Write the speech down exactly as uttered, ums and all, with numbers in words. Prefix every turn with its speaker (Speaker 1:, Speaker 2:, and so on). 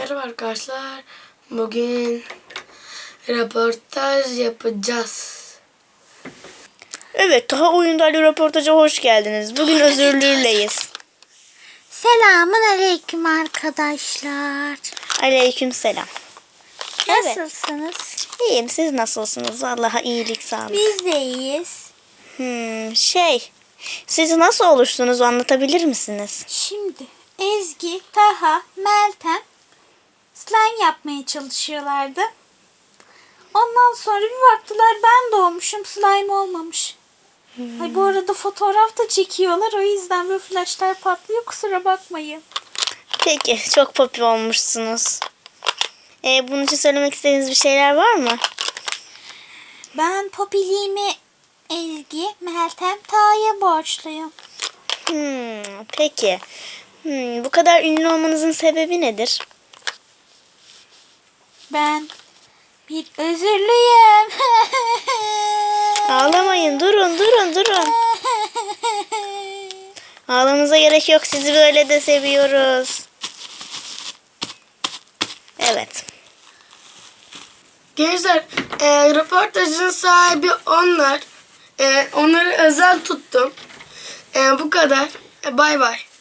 Speaker 1: Merhaba arkadaşlar. Bugün röportaj yapacağız.
Speaker 2: Evet, daha oyunlarla röportaja hoş geldiniz. Bugün özürlüyleyiz.
Speaker 3: Selamun aleyküm arkadaşlar.
Speaker 2: Aleyküm selam. Evet.
Speaker 3: Nasılsınız?
Speaker 2: İyiyim, siz nasılsınız? Allah'a iyilik sağlık.
Speaker 3: Biz de iyiyiz.
Speaker 2: Hmm, şey, siz nasıl oluştunuz anlatabilir misiniz?
Speaker 3: Şimdi Ezgi, Taha, Meltem slime yapmaya çalışıyorlardı. Ondan sonra bir baktılar ben doğmuşum, slime olmamış.
Speaker 2: Hmm.
Speaker 3: Ay, bu arada fotoğraf da çekiyorlar, o yüzden böyle flaşlar patlıyor, kusura bakmayın.
Speaker 2: Peki, çok popüler olmuşsunuz. Ee, bunun için söylemek istediğiniz bir şeyler var mı?
Speaker 3: Ben popiliğimi Ezgi, Meltem, Taha'ya borçluyum.
Speaker 2: Hmm, peki. Hmm, bu kadar ünlü olmanızın sebebi nedir?
Speaker 3: Ben bir özürlüyüm.
Speaker 2: Ağlamayın, durun, durun, durun. Ağlamanıza gerek yok, sizi böyle de seviyoruz. Evet.
Speaker 1: Gençler, e, röportajın sahibi onlar. E, onları özel tuttum. E, bu kadar. E, bay bay.